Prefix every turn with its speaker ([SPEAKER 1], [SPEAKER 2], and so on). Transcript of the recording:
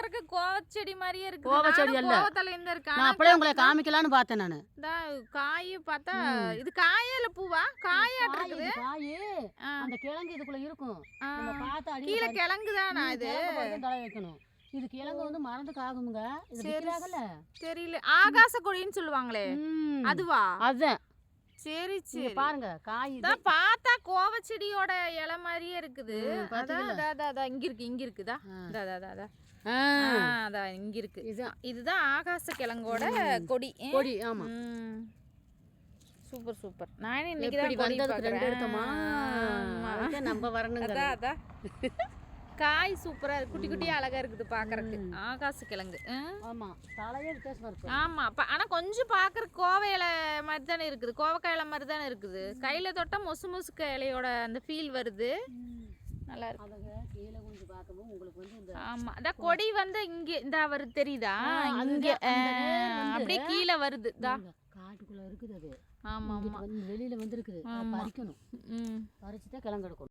[SPEAKER 1] பாக்குறதுக்கு கோவச்செடி மாதிரியே இருக்கு.
[SPEAKER 2] கோவச்செடி அல்ல.
[SPEAKER 1] கோவத்தல இந்த இருக்கு.
[SPEAKER 2] நான் அப்படியே உங்களை காமிக்கலாம்னு பார்த்தேன் நானு.
[SPEAKER 1] காய் பார்த்தா இது காயே இல்ல பூவா? காயாட்டு இருக்குது.
[SPEAKER 2] காய் அந்த கிழங்கு இதுக்குள்ள இருக்கும். நம்ம பார்த்தா அடி
[SPEAKER 1] கீழ கிழங்கு தானா இது?
[SPEAKER 2] தலை வைக்கணும். இது கிழங்கு வந்து மறந்துக்கு ஆகுமுங்க. இது விக்கிறாங்கல.
[SPEAKER 1] தெரியல. ஆகாச கொடின்னு சொல்லுவாங்களே. அதுவா?
[SPEAKER 2] அதான்.
[SPEAKER 1] சரி சரி.
[SPEAKER 2] பாருங்க காய்
[SPEAKER 1] இத பார்த்தா கோவச்செடியோட இலை மாதிரியே இருக்குது. அதான் இங்க இருக்கு இங்க இருக்குதா? அதான் இங்க இருக்கு. இதுதான் ஆகாச கிழங்கோட கொடி. கொடி ஆமா. Super super. நான் இன்னைக்கு தான் கொடி பார்க்கறேன். 2 எடுத்தோமா? அதுக்கு நம்ம வரணுங்க. அதான் காய் சூப்பரா இருக்கு. குட்டி குட்டியா அழகா இருக்குது பாக்குறதுக்கு. ஆகாச கிழங்கு.
[SPEAKER 2] ஆமா. தலையே வித்தியாசமா இருக்கு.
[SPEAKER 1] ஆமா. ஆனா கொஞ்சம் பாக்குறதுக்கு கோவை இலை மாதிரி தானே இருக்குது. கோவக்காய் இலை மாதிரி தானே இருக்குது. கையில தொட்டா மொசு மொசுக்க இலையோட அந்த ஃபீல் வருது. நல்லா இருக்கு.
[SPEAKER 2] அதங்க கீழ கொஞ்சம் பார்க்கவும் உங்களுக்கு வந்து இந்த
[SPEAKER 1] ஆமா. அத கொடி வந்து இங்க இந்த வருது தெரியுதா? இங்க அப்படியே கீழ வருது.
[SPEAKER 2] காட்டுக்குள்ள இருக்குது அது.
[SPEAKER 1] ஆமா ஆமா.
[SPEAKER 2] வெளியில வந்து இருக்குது. பறிக்கணும். பறிச்சுட்டா கிழங்கு எடுக்கணும்.